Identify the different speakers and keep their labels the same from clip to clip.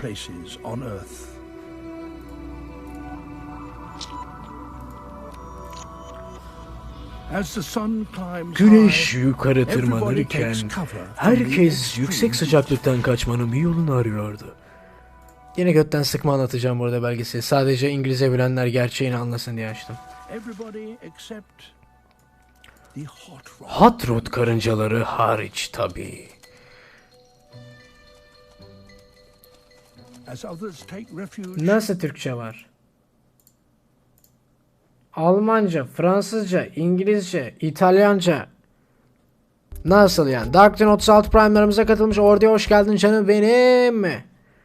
Speaker 1: places on Earth. As the sun climbs
Speaker 2: Güneş
Speaker 1: high,
Speaker 2: yukarı tırmanırken herkes yüksek sıcaklıktan kaçmanın bir yolunu arıyordu. Yine götten sıkma anlatacağım burada belgeseli. Sadece İngilizce bilenler gerçeğini anlasın diye açtım.
Speaker 1: everybody except the hot rod.
Speaker 2: Hot rod karıncaları hariç tabii.
Speaker 1: As others take refuge
Speaker 2: Nasıl Türkçe var? Almanca, Fransızca, İngilizce, İtalyanca. Nasıl yani? Darkton 36 Prime'larımıza katılmış. Orduya hoş geldin canım benim.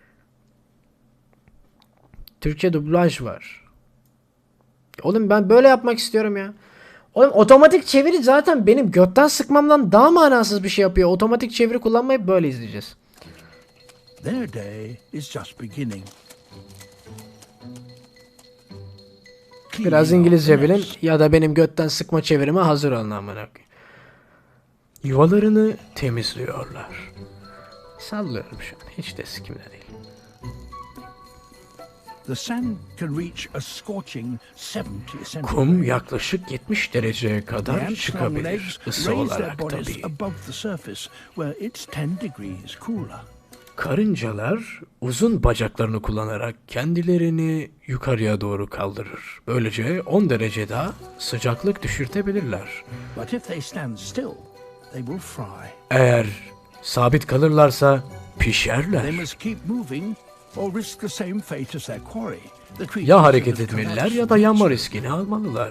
Speaker 2: Türkçe dublaj var. Oğlum ben böyle yapmak istiyorum ya. Oğlum otomatik çeviri zaten benim götten sıkmamdan daha manasız bir şey yapıyor. Otomatik çeviri kullanmayıp böyle izleyeceğiz.
Speaker 1: their day is just beginning.
Speaker 2: Biraz İngilizce bilin ya da benim götten sıkma çevirime hazır olun amına koyayım. Yuvalarını temizliyorlar. Sallıyorum şu an. Hiç de sikimde değil.
Speaker 1: The sand can reach a scorching 70 centimeters.
Speaker 2: Kum yaklaşık 70 dereceye
Speaker 1: The
Speaker 2: kadar
Speaker 1: ants' long
Speaker 2: çıkabilir
Speaker 1: legs
Speaker 2: ısı
Speaker 1: raise their
Speaker 2: olarak
Speaker 1: bodies
Speaker 2: tabii.
Speaker 1: above the surface, where it's 10 degrees cooler.
Speaker 2: Karıncalar uzun bacaklarını kullanarak kendilerini yukarıya doğru kaldırır. Böylece 10 derece daha sıcaklık düşürtebilirler.
Speaker 1: But if they stand still, they will fry.
Speaker 2: Eğer sabit kalırlarsa
Speaker 1: They
Speaker 2: pişerler.
Speaker 1: must keep moving or risk the same fate as their quarry. The creatures
Speaker 2: Ya hareket
Speaker 1: that have
Speaker 2: etmeliler
Speaker 1: collapsed
Speaker 2: ya da yanma
Speaker 1: from
Speaker 2: riskini almalılar.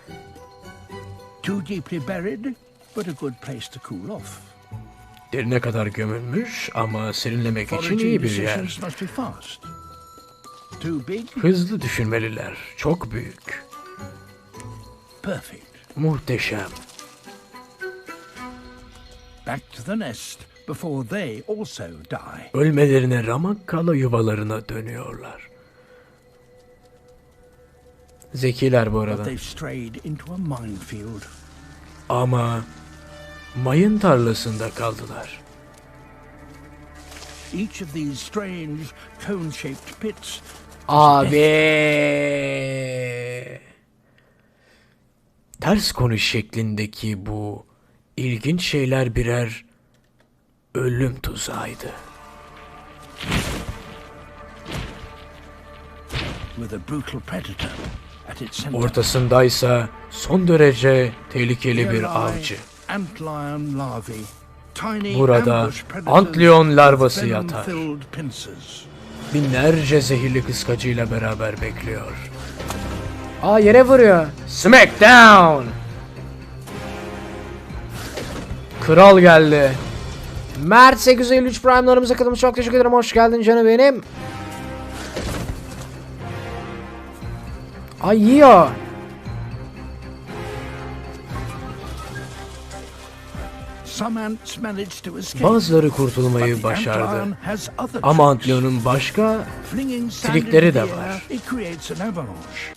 Speaker 1: too deeply buried, but a good place to cool off.
Speaker 2: Derine kadar gömülmüş ama serinlemek için
Speaker 1: Foraging
Speaker 2: iyi bir yer.
Speaker 1: decisions must be fast. Too big,
Speaker 2: Hızlı düşünmeliler. Çok büyük.
Speaker 1: perfect.
Speaker 2: Muhteşem.
Speaker 1: Back to the nest before they also die.
Speaker 2: Ölmelerine ramak kala yuvalarına dönüyorlar. Zekiler bu
Speaker 1: But
Speaker 2: arada.
Speaker 1: they've strayed into a minefield.
Speaker 2: Ama mayın tarlasında kaldılar.
Speaker 1: Each of these strange cone-shaped pits
Speaker 2: Abi. Ters konuş şeklindeki bu ilginç şeyler birer ölüm tuzağıydı.
Speaker 1: with a brutal predator at its center.
Speaker 2: Ortasındaysa son derece tehlikeli bir
Speaker 1: Here lie
Speaker 2: avcı.
Speaker 1: antlion larvae, tiny
Speaker 2: Burada
Speaker 1: ambush predators
Speaker 2: antlion larvası
Speaker 1: with
Speaker 2: yatar.
Speaker 1: venom-filled pincers.
Speaker 2: Binlerce zehirli kıskacıyla beraber bekliyor. Aa yere vuruyor. Smackdown. Kral geldi. Mert 853 Prime'larımıza katılmış. Çok teşekkür ederim. Hoş geldin canım benim. Ay yiyor.
Speaker 1: Some ants managed to escape,
Speaker 2: Bazıları kurtulmayı
Speaker 1: but the
Speaker 2: başardı.
Speaker 1: antlion has other
Speaker 2: Ama
Speaker 1: tricks.
Speaker 2: Antlion'un başka
Speaker 1: Flinging sand
Speaker 2: trikleri
Speaker 1: into
Speaker 2: de
Speaker 1: the
Speaker 2: var.
Speaker 1: air, it creates an avalanche.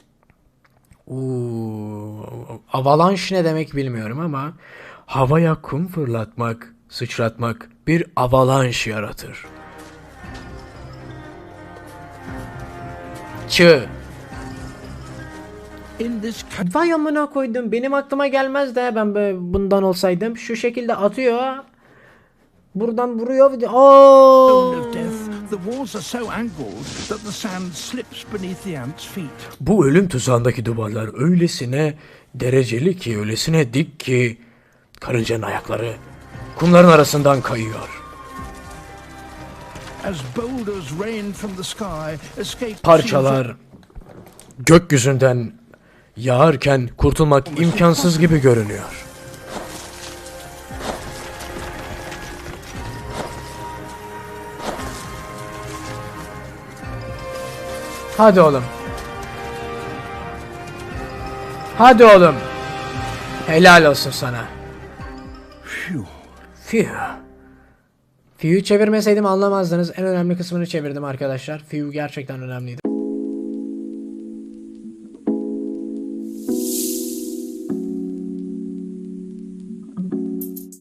Speaker 2: Avalanche ne demek bilmiyorum ama havaya kum fırlatmak, sıçratmak bir avalanche yaratır. Çığ.
Speaker 1: In this
Speaker 2: Vay amına koydum. Benim aklıma gelmez de ben böyle bundan olsaydım. Şu şekilde atıyor. Buradan vuruyor.
Speaker 1: cone
Speaker 2: Oo!
Speaker 1: of death, the walls are so angled that the sand slips beneath the ants' feet.
Speaker 2: Bu ölüm tuzağındaki duvarlar öylesine dereceli ki, öylesine dik ki karıncanın ayakları kumların arasından kayıyor.
Speaker 1: As boulders rain from the sky, escape
Speaker 2: Parçalar gökyüzünden yağarken kurtulmak imkansız gibi görünüyor. Hadi oğlum. Hadi oğlum. Helal olsun sana.
Speaker 1: Phew.
Speaker 2: Few'yu çevirmeseydim anlamazdınız. En önemli kısmını çevirdim arkadaşlar. Few gerçekten önemliydi.